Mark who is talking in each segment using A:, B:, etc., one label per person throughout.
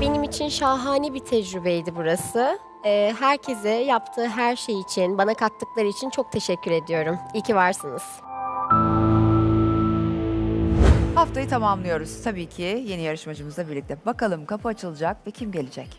A: benim için şahane bir tecrübeydi burası. Herkese yaptığı her şey için, bana kattıkları için çok teşekkür ediyorum. İyi ki varsınız.
B: Haftayı tamamlıyoruz tabii ki yeni yarışmacımızla birlikte. Bakalım kapı açılacak ve kim gelecek?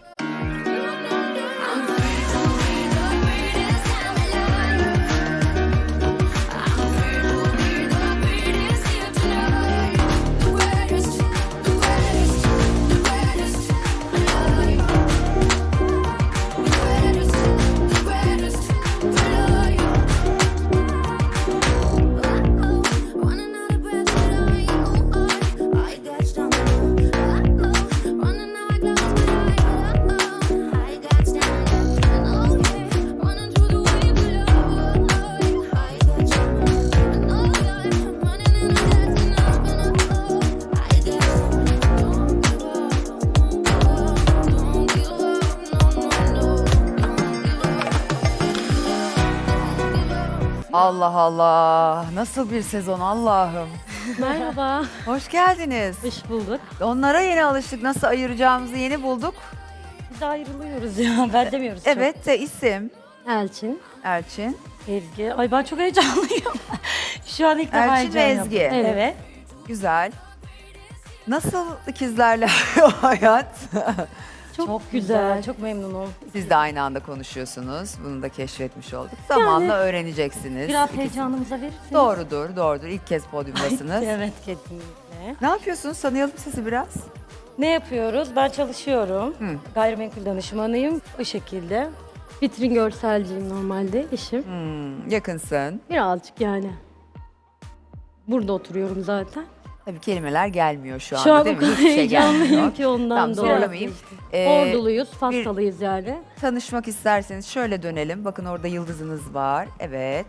B: Allah Allah. Nasıl bir sezon Allah'ım.
C: Merhaba,
B: Hoş geldiniz.
C: hoş bulduk.
B: Onlara yeni alıştık. Nasıl ayıracağımızı yeni bulduk.
C: Biz ayrılıyoruz ya, ben demiyoruz çok.
B: Evet de isim
C: Elçin,
B: Elçin.
C: Ezgi. Ay ben çok heyecanlıyım. Şu an ilk defa
B: Elçin ve
C: heyecan
B: Ezgi.
C: yaptım. Evet.
B: Güzel. Nasıl ikizlerle o hayat?
C: Çok güzel, çok memnunum.
B: Siz de aynı anda konuşuyorsunuz. Bunu da keşfetmiş olduk. Zamanla öğreneceksiniz.
C: Biraz
B: İkisi-
C: heyecanımıza verirseniz.
B: Doğrudur, doğrudur. İlk kez podyumdasınız.
C: Evet, kesinlikle.
B: Ne yapıyorsunuz? Tanıyalım sizi biraz.
C: Ne yapıyoruz? Ben çalışıyorum.
B: Hı.
C: Gayrimenkul danışmanıyım. O şekilde. Vitrin görselciyim normalde işim.
B: Yakınsın.
C: Birazcık yani. Burada oturuyorum zaten.
B: Tabii kelimeler gelmiyor şu anda
C: Şu an
B: değil
C: o
B: mi?
C: kadar
B: Hiçbir şey
C: heyecanlıyım
B: gelmiyor.
C: ki ondan
B: Tamam,
C: dolayı.
B: zorlamayayım.
C: Orduluyuz, Fassalıyız yani.
B: Tanışmak isterseniz şöyle dönelim. Bakın orada yıldızınız var. Evet.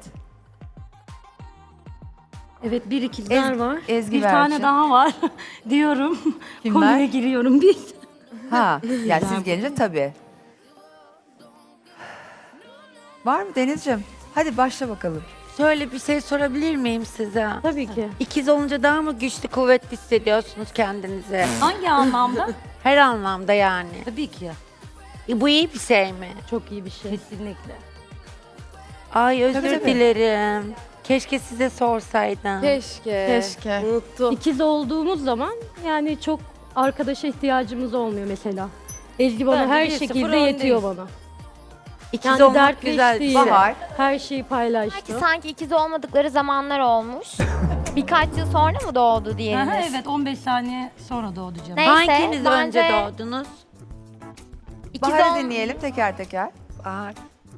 C: Evet, bir ikizler var.
B: Ezgi
C: bir
B: Berçin.
C: tane daha var diyorum.
B: Kimler?
C: Konuya giriyorum bir.
B: Ha, yani siz gelince tabii. Var mı Denizciğim? Hadi başla bakalım.
D: Şöyle bir şey sorabilir miyim size?
C: Tabii ki.
D: İkiz olunca daha mı güçlü, kuvvetli hissediyorsunuz kendinizi?
C: Hangi anlamda?
D: Her anlamda yani.
C: Tabii ki.
D: Bu iyi bir şey mi?
C: Çok iyi bir şey. Kesinlikle.
D: Ay özür
B: Tabii, tabii.
D: dilerim. Keşke size sorsaydım.
E: Keşke. Unuttum.
C: İkiz olduğumuz zaman yani çok arkadaşa ihtiyacımız olmuyor mesela. Ezgi bana
D: Bence
C: her
D: 1-0
C: şekilde yetiyor
D: öndeyiz.
C: bana.
D: İkiz
C: Yani
D: olmak güzel bir
C: dertleştiği,
D: şey.
B: Bahar.
C: her şeyi paylaştı.
F: Belki sanki ikiz olmadıkları zamanlar olmuş. Birkaç yıl sonra mı doğdu diğeriniz?
C: Aha, evet 15 saniye sonra doğdu canım.
F: Neyse,
D: Hanginiz önce
F: bence
D: doğdunuz?
F: ikiz,
B: Bahar'ı dinleyelim teker teker.
D: Bahar.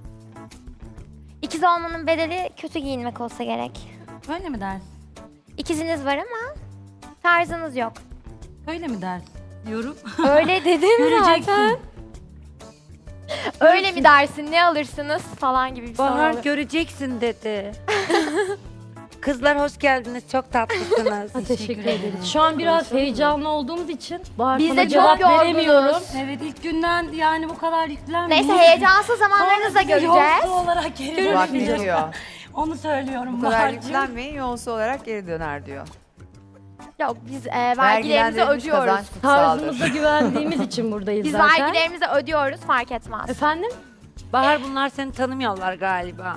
F: ikiz olmanın bedeli kötü giyinmek olsa gerek.
C: Öyle mi dersin?
F: İkiziniz var ama tarzınız yok.
C: Öyle mi dersin? Diyorum.
F: Öyle dedim
C: Göreceksin.
F: zaten. Öyle mi dersin, ne alırsınız falan gibi bir soru
D: Bahar
F: olur.
D: göreceksin dedi. Kızlar hoş geldiniz. Çok tatlısınız.
C: Teşekkür ederim. Şu an biraz heyecanlı olduğumuz için Bahar
F: Biz
C: sana
F: de çok
C: cevap
F: yorgunuz.
C: veremiyorum. Evet ilk günden yani bu kadar yüklenmeyin.
F: Neyse, heyecansız zamanlarınızı da göreceğiz.
C: Yolcu olarak geri
B: Bak ne
C: döneceğiz.
B: diyor.
C: Onu söylüyorum
B: Bu kadar
C: Bahar'cığım.
B: yüklenmeyin yolsu olarak geri döner diyor.
F: Yok, biz vergilerimizi
B: Vergilendirilmiş
F: ödüyoruz.
B: kazanç kutsaldır.
C: Tarzımıza güvendiğimiz için buradayız
F: Biz
C: zaten.
F: vergilerimizi ödüyoruz, fark etmez.
C: Efendim?
D: Bahar bunlar seni tanımıyorlar galiba.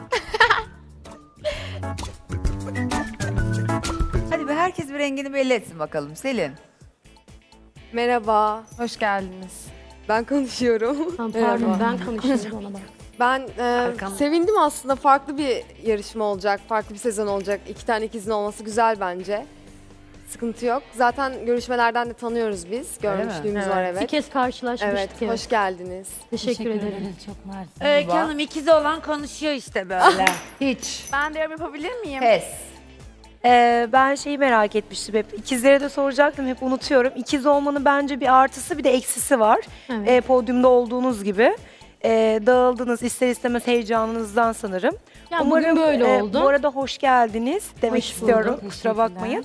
B: Hadi be herkes bir rengini belli etsin bakalım. Selin.
E: Merhaba, hoş geldiniz. Ben konuşuyorum.
C: Tamam, pardon ben konuşuyorum ona bak.
E: Ben
D: Arkam-
E: sevindim aslında. Farklı bir yarışma olacak, farklı bir sezon olacak. İki tane ikizin olması güzel bence. Sıkıntı yok. Zaten görüşmelerden de tanıyoruz biz.
B: Öyle mi?
E: Görmüşlüğümüz
C: Evet.
E: var
C: Bir
E: evet.
C: kez karşılaşmıştık.
E: Evet,
C: evet.
E: hoş geldiniz.
C: Teşekkür ederim. Çok mersi.
D: Öykü
B: Tuğba.
D: Hanım ikiz olan konuşuyor işte böyle.
B: Hiç.
G: Ben de yorum yapabilir miyim?
B: Pes.
H: Ben şeyi merak etmiştim hep. İkizlere de soracaktım, hep unutuyorum. İkiz olmanın bence bir artısı bir de eksisi var.
C: Evet.
H: Podyumda olduğunuz gibi. Dağıldınız ister istemez heyecanınızdan sanırım.
C: Yani bugün böyle oldu.
H: Bu arada hoş geldiniz demek
C: Hoş
H: istiyorum.
C: bulduk,
H: Kusura
C: teşekkürler.
H: bakmayın.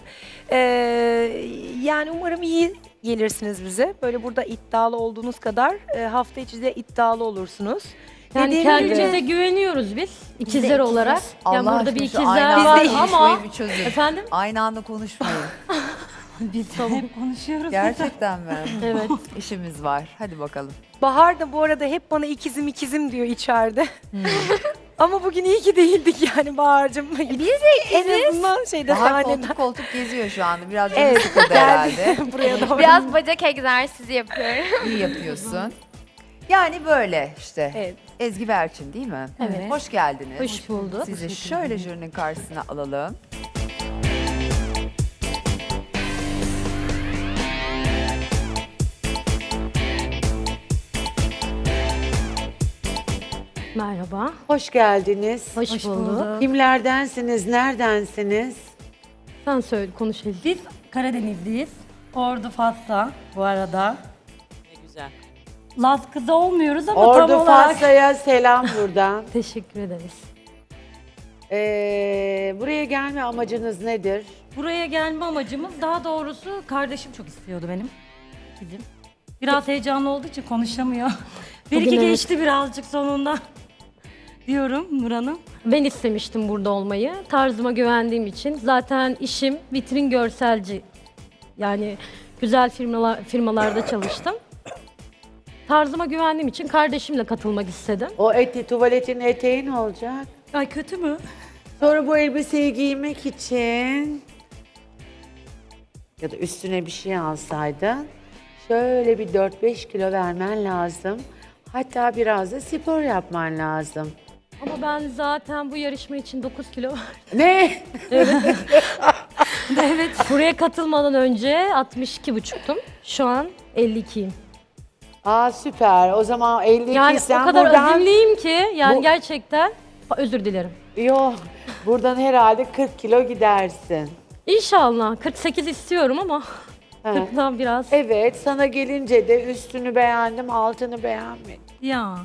H: Yani umarım iyi gelirsiniz bize. Böyle burada iddialı olduğunuz kadar hafta içi de iddialı olursunuz.
C: Yani
H: Dediğim
C: kendimize
H: gibi-
C: güveniyoruz biz ikizler
B: ikiziz.
C: olarak. Yani
B: Allah
C: burada bir
B: aşkına şu
C: ikizler
B: aynı
C: var
B: anda
C: ama
B: konuşmayı bir çözün.
C: efendim
B: Aynı anda konuşmayın.
G: Biz hep konuşuyoruz.
B: Gerçekten mi?
C: Evet.
B: İşimiz var. Hadi bakalım.
H: Bahar da bu arada hep bana ikizim diyor içeride. Ama bugün iyi ki değildik yani Bahar'cığım. Biz de en azından şeyde
B: Bahar
H: sahneden.
B: koltuk koltuk geziyor şu anda. Biraz canı
H: Evet,
B: sıkıldı herhalde.
H: Buraya doğru.
F: Biraz bacak egzersizi yapıyorum.
B: İyi yapıyorsun. Yani böyle işte.
H: Evet.
B: Ezgi ve Erçin değil mi?
C: Evet.
B: Hoş geldiniz.
C: Hoş bulduk.
B: Sizi şöyle jürinin karşısına alalım.
C: Merhaba.
I: Hoş geldiniz.
C: Hoş bulduk.
I: Kimlerdensiniz, neredensiniz?
C: Sen söyle, konuş Elif.
G: Biz Karadenizliyiz. Ordu Fas'ta bu arada.
J: Ne güzel.
G: Laz kızı olmuyoruz ama tam
I: Ordu
G: olarak.
I: Fasya'ya selam buradan.
C: Teşekkür ederiz.
I: Buraya gelme amacınız nedir?
G: Buraya gelme amacımız, daha doğrusu kardeşim çok istiyordu benim. Bizim. Biraz heyecanlı olduğu için konuşamıyor. Bir
C: Bugün
G: iki
C: evet.
G: geçti birazcık sonunda. Diyorum Nur Hanım.
C: Ben istemiştim burada olmayı. Tarzıma güvendiğim için. Zaten işim vitrin görselci. Yani güzel firmalarda çalıştım. Tarzıma güvendiğim için kardeşimle katılmak istedim.
I: O tuvaletin eteği ne olacak?
G: Ay kötü mü?
I: Sonra bu elbiseyi giymek için ya da üstüne bir şey alsaydın şöyle bir 4-5 kilo vermen lazım. Hatta biraz da spor yapman lazım.
C: Ama ben zaten bu yarışma için 9 kilo var.
I: Ne?
C: Evet. Buraya katılmadan önce 62,5'tum. Şu an 52'yim.
I: Aa süper. O zaman 52
C: Yani
I: sen
C: o kadar
I: buradan...
C: azimliyim ki yani
I: Bu-
C: gerçekten özür dilerim.
I: Yok. Buradan herhalde 40 kilo gidersin.
C: İnşallah 48 istiyorum ama
I: Ha.
C: 40'dan biraz.
I: Evet, sana gelince de üstünü beğendim, altını beğenmedim.
G: Ya.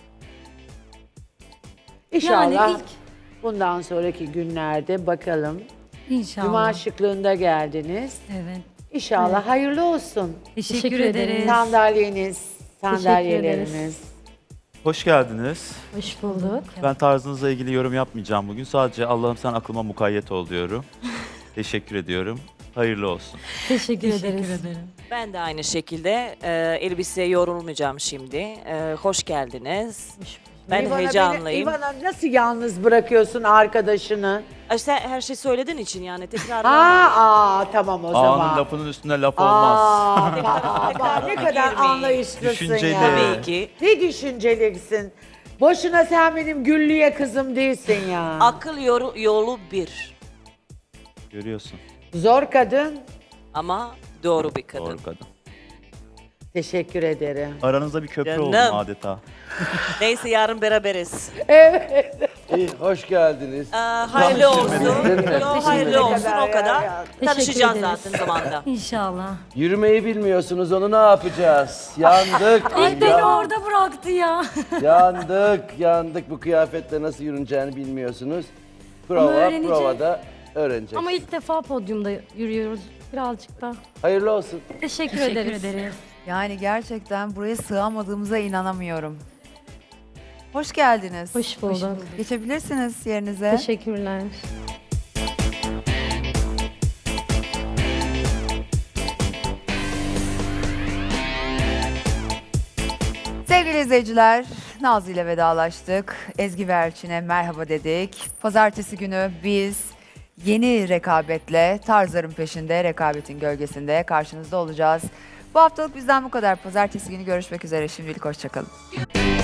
I: İnşallah
G: Yani ilk
I: bundan sonraki günlerde bakalım.
G: inşallah.
I: Cuma şıklığında geldiniz.
G: Evet.
I: İnşallah hayırlı olsun.
G: Teşekkür
C: ederiz.
G: ederiz.
I: Sandalyeleriniz, sandalyeleriniz.
K: Hoş geldiniz.
C: Hoş bulduk.
K: Ben tarzınızla ilgili yorum yapmayacağım bugün. Sadece Allah'ım sen aklıma mukayyet ol diyorum. Teşekkür ediyorum. Hayırlı olsun.
C: Teşekkür ederiz.
J: Ben de aynı şekilde elbiseye yorulmayacağım şimdi. Hoş geldiniz. Ben
I: İvana
J: heyecanlıyım.
I: İvana nasıl yalnız bırakıyorsun arkadaşını?
J: Ay, sen her şey söylediğin için yani tekrar
I: Tamam o
K: Ağanın
I: zaman.
K: lafının üstüne laf olmaz.
I: Bak ne kadar
J: Girmeyin.
I: anlayışlısın
K: Düşünceli.
I: ya.
J: Tabii ki.
I: Ne düşüncelisin? Boşuna sen benim Güllü'ye kızım değilsin ya.
J: Akıl yolu bir.
K: Görüyorsun.
I: Zor kadın.
J: Ama doğru bir kadın.
K: Doğru kadın.
I: Teşekkür ederim.
K: Aranızda bir köprü
J: Canım.
K: oldum adeta.
J: Neyse yarın beraberiz.
L: İyi, hoş geldiniz.
J: Hayırlı olsun.
L: ederim.
J: Yo, hayırlı olsun
I: ederim.
J: o kadar. Tanışacağız
C: ederiz.
J: zaten zamanda.
G: İnşallah.
L: Yürümeyi bilmiyorsunuz, onu ne yapacağız? Yandık,
G: Ay beni orada bıraktı ya.
L: yandık. Bu kıyafetle nasıl yürüneceğini bilmiyorsunuz.
G: Ama öğreneceğiz.
L: Provada öğreneceksiniz.
C: Ama ilk defa podyumda yürüyoruz birazcık da.
L: Hayırlı olsun.
C: Teşekkür
G: Teşekkür
C: ederiz.
G: ederiz.
B: Yani gerçekten buraya sığamadığımıza inanamıyorum. Hoş geldiniz.
C: Hoş bulduk.
B: Geçebilirsiniz yerinize.
C: Teşekkürler.
B: Sevgili izleyiciler, Nazlı ile vedalaştık. Ezgi ve Erçin'e merhaba dedik. Pazartesi günü biz yeni rekabetle, tarzların peşinde, rekabetin gölgesinde karşınızda olacağız. Bu haftalık bizden bu kadar. Pazartesi günü görüşmek üzere. Şimdilik hoşçakalın.